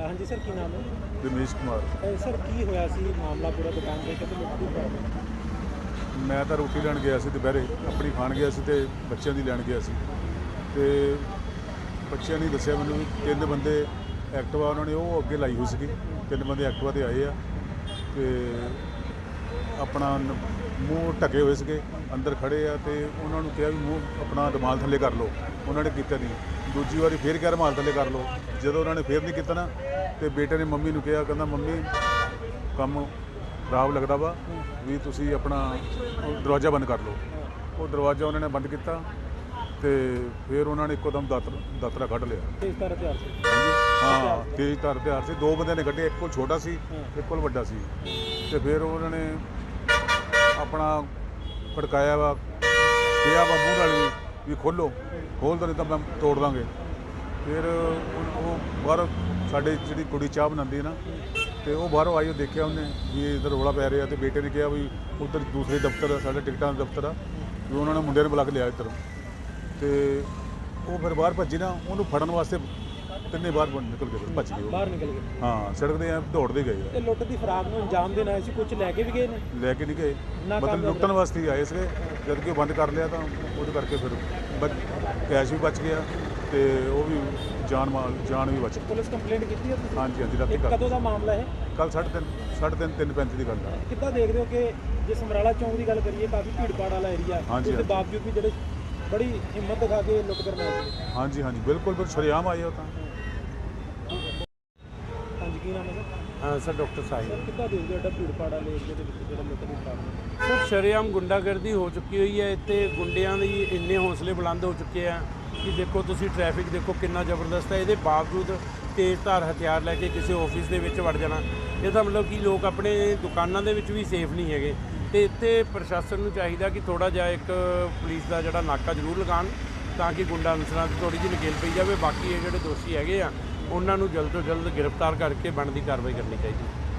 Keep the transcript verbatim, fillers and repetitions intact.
हाँ जी सर, की नाम है? रमेश कुमार। ਅ, ਸਰ ਕੀ ਹੋਇਆ ਸੀ ਮਾਮਲਾ ਪੂਰਾ ਦੁਕਾਨ ਦੇ ਕਿਤੇ ਲੁੱਟ ਦੀ ਪ੍ਰੋਬਲਮ? ਮੈਂ ਤਾਂ ਰੋਟੀ ਲੈਣ ਗਿਆ ਸੀ ਦੁਪਹਿਰੇ, ਆਪਣੀ ਖਾਣ ਗਿਆ ਸੀ ਤੇ ਬੱਚਿਆਂ ਦੀ ਲੈਣ ਗਿਆ ਸੀ ਤੇ ਬੱਚਿਆਂ ਨੇ ਦੱਸਿਆ ਮੈਨੂੰ ਵੀ ਤਿੰਨ ਬੰਦੇ ਐਕਟਿਵਾ ਉਹਨਾਂ ਨੇ ਉਹ ਅੱਗੇ ਲਾਈ ਹੋਈ ਸੀਗੀ। ਤਿੰਨ ਬੰਦੇ ਐਕਟਿਵਾ ਤੇ ਆਏ ਆ ਤੇ ਆਪਣਾ ਨ- ਮੂੰਹ ਢੱਕੇ ਹੋਏ ਸੀਗੇ, ਅੰਦਰ ਖੜੇ ਆ ਤੇ ਉਹਨਾਂ ਨੂੰ ਕਿਹਾ ਵੀ ਮੂੰਹ ਆਪਣਾ ਰੁਮਾਲ ਥੱਲੇ ਕਰ ਲਓ। ਉਹਨਾਂ ਨੇ ਕੀਤਾ ਨਹੀਂ। ਦੂਜੀ ਵਾਰੀ ਫੇਰ ਕਿਹਾ ਰੁਮਾਲ ਥੱਲੇ ਕਰ ਲਓ। ਜਦੋਂ ਉਹਨਾਂ ਨੇ ਫੇਰ ਨਹੀਂ ਕੀਤਾ ਨਾ ਤੇ ਬੇਟੇ ਨੇ ਮੰਮੀ ਨੂੰ ਕਿਹਾ, ਕਹਿੰਦਾ ਮੰਮੀ ਕੰਮ ਖਰਾਬ ਲੱਗਦਾ ਵਾ ਵੀ ਤੁਸੀਂ ਆਪਣਾ ਦਰਵਾਜ਼ਾ ਬੰਦ ਕਰ ਲਓ। ਉਹ ਦਰਵਾਜ਼ਾ ਉਹਨਾਂ ਨੇ ਬੰਦ ਕੀਤਾ ਤੇ ਫਿਰ ਉਹਨਾਂ ਨੇ ਇੱਕੋ ਦਮ ਦਾਤਰ ਦਾਤਰਾ ਕੱਢ ਲਿਆ। ਤੇਜ਼ ਧਾਰ ਹਥਿਆਰ ਸੀ? ਹਾਂ, ਤੇਜ਼ ਧਾਰ ਹਥਿਆਰ ਸੀ। ਦੋ ਬੰਦਿਆਂ ਨੇ ਕੱਢੇ, ਇੱਕ ਕੋਲ ਛੋਟਾ ਸੀ, ਇੱਕ ਕੋਲ ਵੱਡਾ ਸੀ। ਤੇ ਫਿਰ ਉਹਨਾਂ ਨੇ ਆਪਣਾ ਖੜਕਾਇਆ ਵਾ, ਕਿਹਾ ਵਾ ਮੂੰਹ ਨਾਲ ਵੀ ਵੀ ਖੋਲ੍ਹੋ, ਖੋਲ੍ਹ ਦੋ ਨਹੀਂ ਤਾਂ ਮੈਂ ਤੋੜ ਦਾਂਗੇ। ਫਿਰ ਉਹ ਉਹ ਬਾਹਰੋਂ ਸਾਡੇ ਜਿਹੜੀ ਕੁੜੀ ਚਾਹ ਬਣਾਉਂਦੀ ਹੈ ਨਾ ਤੇ ਉਹ ਬਾਹਰੋਂ ਆਈ, ਉਹ ਦੇਖਿਆ ਉਹਨੇ ਵੀ ਇੱਧਰ ਰੌਲਾ ਪੈ ਰਿਹਾ ਤੇ ਬੇਟੇ ਨੇ ਕਿਹਾ ਵੀ ਉੱਧਰ ਦੂਸਰੇ ਦਫ਼ਤਰ ਸਾਡੇ ਟਿਕਟਾਂ ਦਾ ਦਫ਼ਤਰ ਆ ਵੀ ਉਹਨਾਂ ਨੇ ਮੁੰਡੇ ਨੂੰ ਬੁਲਾ ਕੇ ਲਿਆ ਇੱਧਰ। ਤੇ ਉਹ ਫਿਰ ਬਾਹਰ ਭੱਜੀ ਨਾ, ਉਹਨੂੰ ਫੜਨ ਵਾਸਤੇ ਤਿੰਨੇ ਬਾਹਰ ਨਿਕਲ ਗਏ, ਫਿਰ ਭੱਜ ਗਏ ਉਹ। ਬਾਹਰ ਨਿਕਲ ਗਏ? ਹਾਂ, ਸੜਕ ਦੇ ਐ ਦੌੜਦੇ ਗਏ ਤੇ ਲੁੱਟ ਦੀ ਫਰਾਗ ਨੂੰ ਅੰਜਾਮ ਦੇਣ ਆਏ ਸੀ, ਕੁਝ ਲੈ ਕੇ ਵੀ ਗਏ ਨੇ? ਆ, ਲੈ ਕੇ ਨਹੀਂ ਗਏ, ਨਾਕਾਮਯਾਬ ਮਤਲਬ ਲੁੱਟਣ ਵਾਸਤੇ ਹੀ ਆਏ ਸੀਗੇ। ਜਦ ਕਿ ਉਹ ਬੰਦ ਕਰ ਲਿਆ ਤਾਂ ਉਹਦੇ ਕਰਕੇ ਫਿਰ ਬਚ ਕੈਸ਼ ਵੀ ਬਚ ਗਿਆ ਤੇ ਉਹ ਵੀ ਜਾਨ ਮਾਲ ਜਾਨ ਵੀ ਬਚ ਗਈ। ਪੁਲਿਸ ਕੰਪਲੇਂਟ ਕੀਤੀ ਹੈ ਤੁਸੀਂ? ਹਾਂਜੀ ਹਾਂਜੀ, ਰਾਤੀ ਇਹ ਕਰ ਕਦੋਂ ਦਾ ਮਾਮਲਾ ਹੈ? ਕੱਲ ਸਾਢੇ ਤਿੰਨ ਸਾਢੇ ਤਿੰਨ ਤਿੰਨ ਪੈਂਤੀ ਦੀ ਗੱਲ ਆ। ਕਿੱਦਾਂ ਦੇਖਦੇ ਹੋ ਕਿ ਜੇ ਸਮਰਾਲਾ ਚੌਂਕ ਦੀ ਗੱਲ ਕਰੀਏ, ਕਾਫੀ ਭੀੜ ਭਾੜ ਵਾਲਾ ਏਰੀਆ, ਹਾਂਜੀ, ਉਸ ਦੇ ਹਾਂਜੀ। ਬਾਵਜੂਦ ਵੀ ਜਿਹੜੇ ਬੜੀ ਹਿੰਮਤ ਦਿਖਾ ਕੇ ਲੁੱਟ ਕਰਨ ਆਏ ਸੀ। ਹਾਂਜੀ ਹਾਂਜੀ, ਬਿਲਕੁਲ ਬਿਲਕੁਲ ਸ਼ਰੇਆਮ ਆਏ ਉਹ ਤਾਂ। ਹਾਂਜੀ, ਕੀ ਨਾਮ ਹੈ ਸਰ? ਹਾਂ ਸਰ, ਡਾਕਟਰ ਸਾਹਿਬ। ਸਰ ਕਿੱਦਾਂ ਦੇਖਦੇ ਹੋ ਐਡਾ ਭੀੜ ਭਾੜ ਵਾਲੇ ਏਰੀਆ ਦੇ ਵਿੱਚ ਜਿਹੜਾ ਲੁੱਟ ਦੀ ਫਰਾਗ? ਸਰ ਸ਼ਰੇਆਮ ਗੁੰਡਾਗਰਦੀ ਹੋ ਚੁੱਕੀ ਹੋਈ ਹੈ ਇੱਥੇ। ਗੁੰਡਿਆਂ ਦੇ ਇੰਨੇ ਹੌਸਲੇ ਬੁਲੰਦ ਹੋ ਚੁੱਕੇ ਆ ਕਿ ਦੇਖੋ ਤੁਸੀਂ ਟ੍ਰੈਫਿਕ ਦੇਖੋ ਕਿੰਨਾ ਜ਼ਬਰਦਸਤ ਹੈ। ਇਹਦੇ ਬਾਵਜੂਦ ਤੇਜ਼ ਧਾਰ ਹਥਿਆਰ ਲੈ ਕੇ ਕਿਸੇ ਆਫਿਸ ਦੇ ਵਿੱਚ ਵੜ ਜਾਣਾ, ਇਹਦਾ ਮਤਲਬ ਕਿ ਲੋਕ ਆਪਣੇ ਦੁਕਾਨਾਂ ਦੇ ਵਿੱਚ ਵੀ ਸੇਫ ਨਹੀਂ ਹੈਗੇ। ਤੇ ਇੱਥੇ ਪ੍ਰਸ਼ਾਸਨ ਨੂੰ ਚਾਹੀਦਾ ਕਿ ਥੋੜ੍ਹਾ ਜਿਹਾ ਇੱਕ ਪੁਲਿਸ ਦਾ ਜਿਹੜਾ ਨਾਕਾ ਜ਼ਰੂਰ ਲਗਾਉਣ ਤਾਂ ਕਿ ਗੁੰਡਾ ਅਨਸਰਾਂ ਦੀ ਥੋੜ੍ਹੀ ਜਿਹੀ ਨਕੇਲ ਪਈ ਜਾਵੇ। ਬਾਕੀ ਇਹ ਜਿਹੜੇ ਦੋਸ਼ੀ ਹੈਗੇ ਆ ਉਹਨਾਂ ਨੂੰ ਜਲਦ ਤੋਂ ਜਲਦ ਗ੍ਰਿਫਤਾਰ ਕਰਕੇ ਬਣਦੀ ਕਾਰਵਾਈ ਕਰਨੀ ਚਾਹੀਦੀ।